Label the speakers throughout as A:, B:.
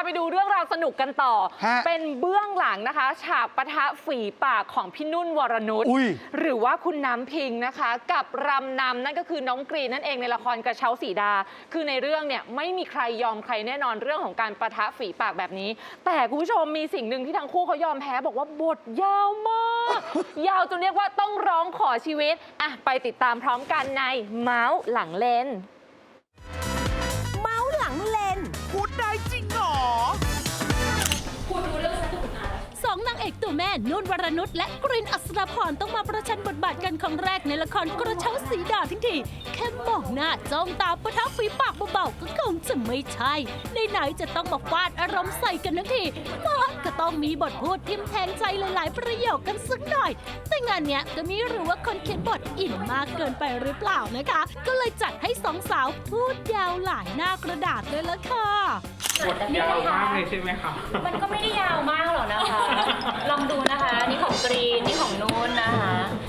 A: ไปดูเรื่องราวสนุกกันต่อเป็นเบื้องหลังนะคะฉากปะทะฝีปากของพี่นุ่นวรนุชหรือว่าคุณน้ำพิงนะคะกับรำนำนั่นก็คือน้องกรีนนั่นเองในละครกระเช้าสีดาคือในเรื่องเนี่ยไม่มีใครยอมใครแน่นอนเรื่องของการปะทะฝีปากแบบนี้แต่คุณผู้ชมมีสิ่งหนึ่งที่ทั้งคู่เขายอมแพ้บอกว่าบทยาวมากยาวจนเรียกว่าต้องร้องขอชีวิตอ่ะไปติดตามพร้อมกันในเมาส์หลังเลน
B: เมาส์หลังเลนพูดได้จริงหรอ
C: คุณรู้เรื่องฉันถูกนะ
B: สองนางเอกตัวแม่นุ่นวรนุชและกรีนอัศรพรต้องมาประชันบทบาทกันครั้งแรกในละครกระเช้าสีดาทั้งทีแค่มองหน้าจ้องตาปะทะฝีปากเบาๆก็คงจะไม่ใช่ไหนๆจะต้องมาฟาดอารมณ์ใส่กันทั้งทีก็ต้องมีบทพูดทิ่มแทงใจหลายๆประโยคกันสักหน่อยแต่งานเนี้ยก็ไม่รู้ว่าคนเขียนบทอินมากเกินไปหรือเปล่านะคะก็เลยจัดให้สองสาวพูดยาวหลายหน้ากระดาษเลยละค่ะ
D: บทยาวมากเลยใช่ไหมคะ
C: มันก็ไม่ได้ยาวมากหรอกนะคะลองดูนะคะนี่ของกรีนนี่ของนุ่นนะคะ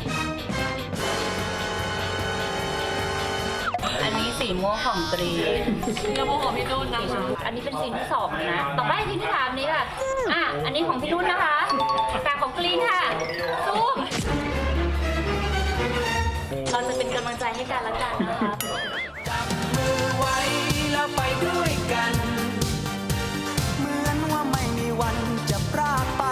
C: อันนี้สีม่วงของกรีนสีม่วงของพี่นุ่นนะคะอันนี้เป็นซีนที่2นะต่อไปซีนที่3นี้ค่ะอันนี้ของพี่นุ่นนะคะแต่ของกรีนค่ะซูมเราจะเป็นกำลังใจให้กันและกันนะคะ
E: จับมือไว้แล้วไปด้วยกันเหมือนว่าไม่มีวันจะพรากไป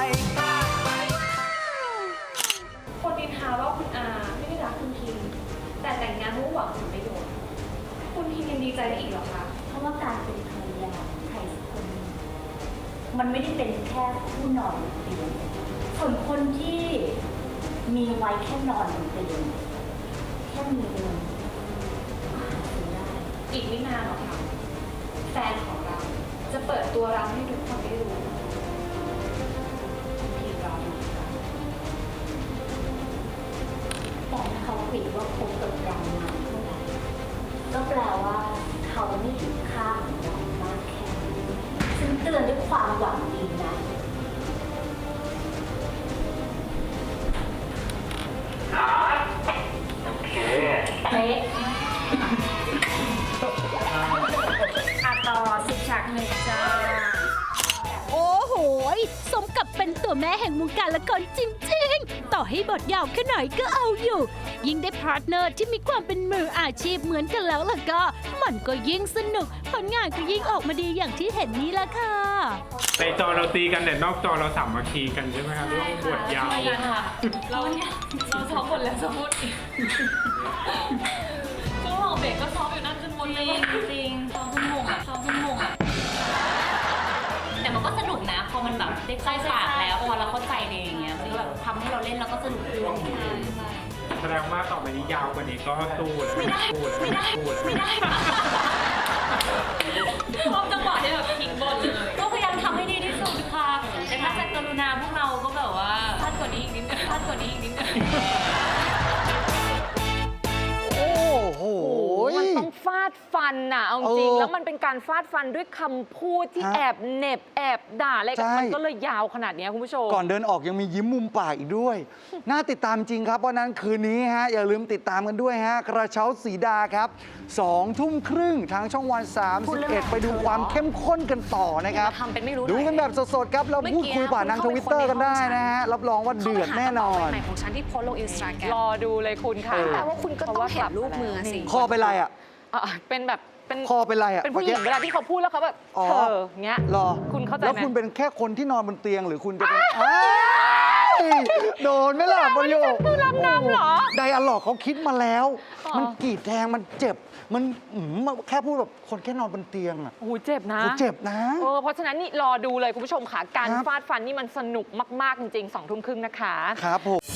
C: คนดินทาว่าคุณอาไม่ได้รักคุณพิมแต่แต่งงานมุ่งหวังผลประโยชน์คุณพิมยังดีใจได้อีกเหรอคะ
F: เพราะว่าการเป็นภรรยาใครสักคนมันไม่ได้เป็นแค่ผู้นอนบนเตียงส่วนคนที่มีไว้แค่นอนบนเตียงแค่มีเงินได้
C: อีกไม่นานหรอกค่ะแฟนของเราจะเปิดตัวเราให้ทุกคนได้รู้ทีเรา
F: แต่ถ้าเขาปิดว่าคบกับเรานานเท่าไหร่ก็แปลว่าเขาไม่ถึงค่าของเรามากแค่นี้ซึ่งเตือนด้วยความหวังดีนะ
C: เป๊ะต่อ10 ฉากหนึ่งจ้า
B: โอ้โหสมกับเป็นตัวแม่แห่งวงการละครจริงๆต่อให้บทยาวแค่ไหนก็เอาอยู่ยิ่งได้พาร์ทเนอร์ที่มีความเป็นมืออาชีพเหมือนกันแล้วล่ะก็มันก็ยิ่งสนุกผลงานก็ยิ่งออกมาดีอย่างที่เห็นนี้ละค่ะ
D: ในจอเราตีกันแต่นอกจอเราสามัคคีกันใช่ไหมคะเรื่องบทยาว
C: เราซ้อมบทแล้วซ้อมบทอีกช่วงหอเบรกก็ซ้อมอยู่นั่นจนหมดเลยจริงซ้อมคุณหงอ่ะแต่มันก็สนุกนะพอมันแบบได้ใกล้ปากแล้วพอเราเข้าใจเลยอย่างเงี้ยมันก็แบบทำให้เราเล่นแล้วก็สนุกขึ้น
D: แสดงว่าต่อไปนี้ยาวกว่านี้ก็สู้เลย
C: ไม่ได้ชอบจังหวะที่แบบทิ้งบอลเลยก็พยายามทำให้ดีที่สุดค่ะแต่ถ้าจะกรุณาพวกเราก็แบบว่าพลาดกว่านี้อีกนิดนึง
A: มันต้องฟาดฟันน่ะเอาจริงแล้วมันเป็นการฟาดฟันด้วยคำพูดที่แอบเหน็บแอบด่าอะไรกันมันก็เลยยาวขนาดนี้คุณผู้ชม
G: ก่อนเดินออกยังมียิ้มมุมปากอีกด้วยน่าติดตามจริงครับเพราะนั้นคืนนี้ฮะอย่าลืมติดตามกันด้วยฮะกระเช้าสีดาครับ2 ทุ่มครึ่งทางช่องวัน31ไปดูความเข้มข้นกันต่อนะครับดูกันแบบสดๆครับเราพูดคุยผ่านทางทวิตเตอร์กันได้นะฮะรับรองว่าเดือดแน่นอน
C: ของฉันที่โพสลงอินสตาแกรม
A: รอดูเลยคุณค่ะ
C: แต่ว่าคุณก็ต้องเห็นรูปมือสิ
G: คอเป็นไรอ่ะ
A: เป็นแบบ
G: คอเป็นไรอ่ะ
A: เป็นผู้หญิงเวลาที่เขาพูดแล้วเขาแบบเงี้ย
G: รอ
A: คุณเข้าใจไหม
G: แล้วคุณเป็นแค่คนที่นอนบนเตียงหรือคุณจะเป็นโดนไหมล่ะประโยค
A: คือลำนำเหรอ
G: ไดอะล็อกเขาคิดมาแล้วมันกรีดแทงมันเจ็บมันแค่พูดแบบคนแค่นอนบนเตียงอ่ะ
A: โอ้เจ็บนะ
G: เจ็บนะ
A: เพราะฉะนั้นนี่รอดูเลยคุณผู้ชมค่ะการฟาดฟันนี่มันสนุกมากๆจริงๆ2 ทุ่มครึ่งนะคะ
G: ครับผม